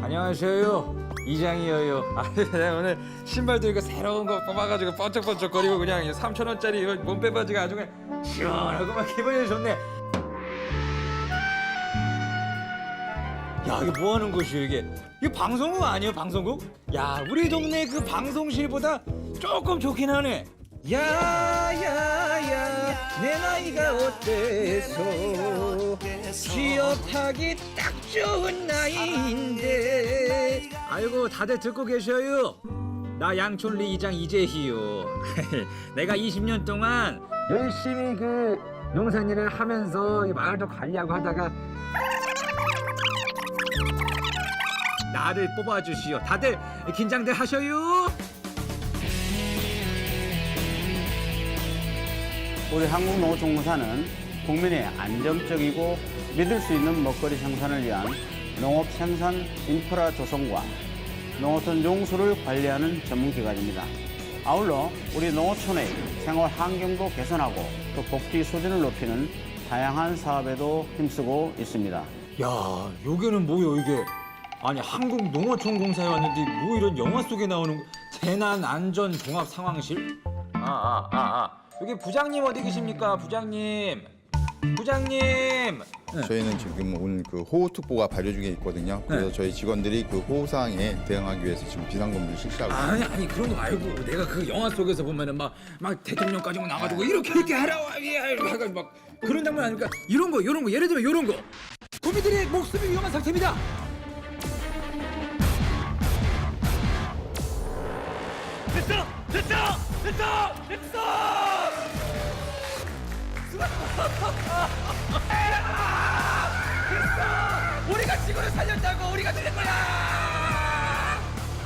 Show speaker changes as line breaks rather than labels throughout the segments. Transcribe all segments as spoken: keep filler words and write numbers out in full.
안녕하세요. 이장이에요. 아, 내가 오늘 신발도 이거 새로운 거 뽑아가지고 번쩍번쩍거리고 그냥 삼천 원짜리 이거 몸빼바지가 아주 그냥 시원하고 막 기분이 좋네. 야, 이게 뭐 하는 곳이에요, 이게? 이게 방송국 아니에요, 방송국? 야, 우리 동네 그 방송실보다 조금 좋긴 하네. 야, 야, 야, 내 나이가 어때서 취업하기 딱 좋은 나이인데. 아이고, 다들 듣고 계셔요. 나 양촌리 이장 이재희요. 내가 이십 년 동안 열심히 그 농산일을 하면서 이 마을도 관리하고 하다가 나를 뽑아주시오. 다들 긴장들 하셔요.
우리 한국농어총무사는 국민의 안정적이고 믿을 수 있는 먹거리 생산을 위한 농업 생산 인프라 조성과 농어촌 용수를 관리하는 전문기관입니다. 아울러 우리 농어촌의 생활 환경도 개선하고 또 복지 수준을 높이는 다양한 사업에도 힘쓰고 있습니다.
야, 여기는 뭐요 이게? 아니, 한국농어촌공사에 왔는데 뭐 이런 영화 속에 나오는 재난 안전 종합 상황실? 아, 아, 아, 아. 여기 부장님 어디 계십니까? 부장님. 부장님. 네.
저희는 지금 오늘 그 호우특보가 발효 중에 있거든요. 그래서
네.
저희 직원들이 그 호우 상황에 대응하기 위해서 지금 비상근무를 실시하고 있습니다.
아니, 아니 그런 거 말고 내가 그 영화 속에서 보면은 막 막 대통령까지 막 나가지고 이렇게 이렇게 하라고 하가 막 그런 장면 아닙니까? 이런 거, 이런 거, 예를 들면 이런 거. 국민들의 목숨이 위험한 상태입니다. 됐어, 됐어, 됐어, 됐어. 됐어. 우리가 지구를 살렸다고. 우리가 살린 거야.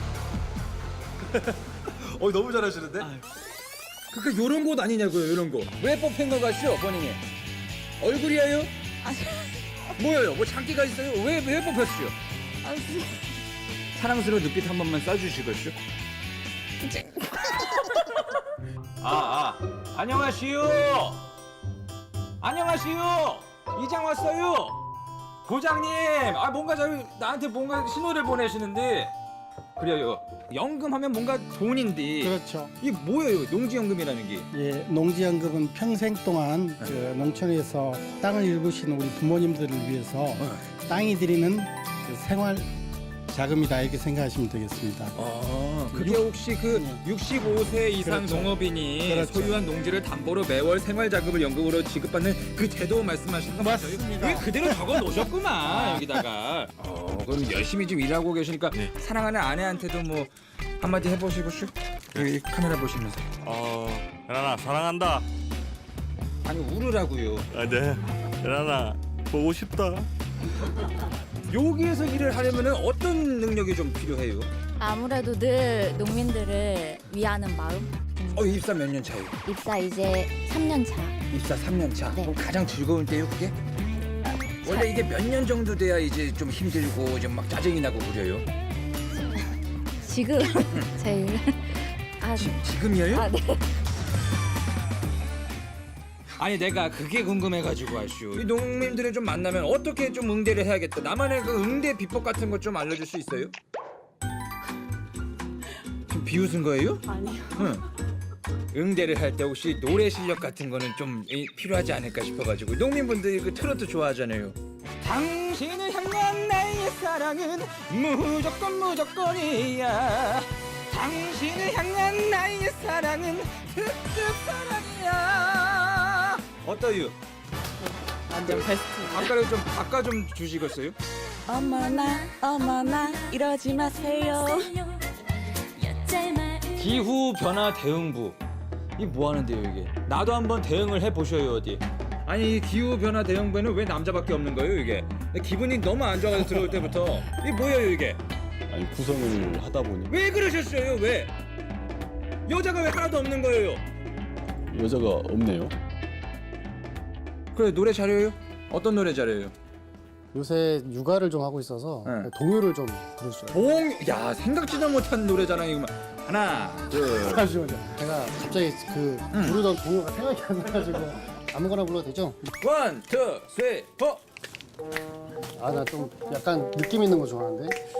어, 너무 잘하시는데? 그러니까 요런 곳 아니냐고요, 요런 거. 왜 뽑힌 거 같죠, 본인이? 얼굴이에요? 뭐예요? 뭐 장기가 있어요? 왜, 왜 뽑혔어요? 사랑스러운 눈빛 한 번만 쏴주시겠죠? 아, 아, 안녕하시오. 안녕하시오. 이장 왔어요. 부장님, 아 뭔가 저 나한테 뭔가 신호를 보내시는데 그래요. 연금하면 뭔가 돈인데.
그렇죠.
이게 뭐예요? 농지연금이라는 게?
예, 농지연금은 평생 동안 그 농촌에서 땅을 일구신 우리 부모님들을 위해서 땅이 드리는 그 생활 자금이다 이렇게 생각하시면 되겠습니다.
아, 그게 혹시 그 육십오 세 이상
그렇죠.
농업인이
그렇죠.
소유한 농지를 담보로 매월 생활자금을 연금으로 지급받는 그 제도 말씀하시는 거 맞아요?
맞습니다.
왜 그대로 적어 놓으셨구만 여기다가. 어, 그럼 열심히 좀 일하고 계시니까 사랑하는 아내한테도 뭐 한마디 해보시고 슉 여기 카메라 보시면서.
어, 연아나 사랑한다.
아니 울으라고요.
아, 네. 연아나 보고 싶다.
여기에서 일을 하려면 어떤 능력이 좀 필요해요?
아무래도 늘 농민들을 위하는 마음.
어, 입사 몇 년 차예요?
입사 이제 삼 년 차.
입사 삼 년 차.
네.
그럼 가장 즐거운 때요, 그게? 원래 이게 몇 년 정도 돼야 이제 좀 힘들고 좀 막 짜증이 나고 그래요?
지금 제일 아,
지, 지금이에요?
아 네.
아니 내가 그게 궁금해가지고 아슈. 이 농민들을 좀 만나면 어떻게 좀 응대를 해야겠다. 나만의 그 응대 비법 같은 거 좀 알려줄 수 있어요? 지금 비웃은 거예요?
아니요.
응. 응대를 할 때 혹시 노래 실력 같은 거는 좀 이, 필요하지 않을까 싶어가지고. 농민분들이 그 트로트 좋아하잖아요. 당신을 향한 나의 사랑은 무조건 무조건이야. 당신을 향한 나의 사랑은 특급 사랑이야. 어떠유?
완전 베스트.
아까를 좀 아까 좀 주시겠어요?
어머나 어머나 이러지 마세요.
기후 변화 대응부. 이 뭐 하는데요 이게? 나도 한번 대응을 해 보셔요 어디. 아니 이 기후 변화 대응부에는 왜 남자밖에 없는 거예요 이게? 기분이 너무 안 좋아서 들어올 때부터 이게 뭐예요 이게?
아니 구성을 하다 보니
왜 그러셨어요 왜? 여자가 왜 하나도 없는 거예요?
여자가 없네요.
그래 노래 잘해요? 어떤 노래 잘해요?
요새 육아를 좀 하고 있어서
네.
동요를 좀 부르시죠.
봉! 야 생각지도 못한 노래 자랑이구만. 하나 둘.
잠시만요. 제가 갑자기 그 부르던 동요가 생각이 안 나가지고 아무거나 불러도 되죠?
원, 투, 쓰리, 포.
아 나 좀 약간 느낌 있는 거 좋아하는데.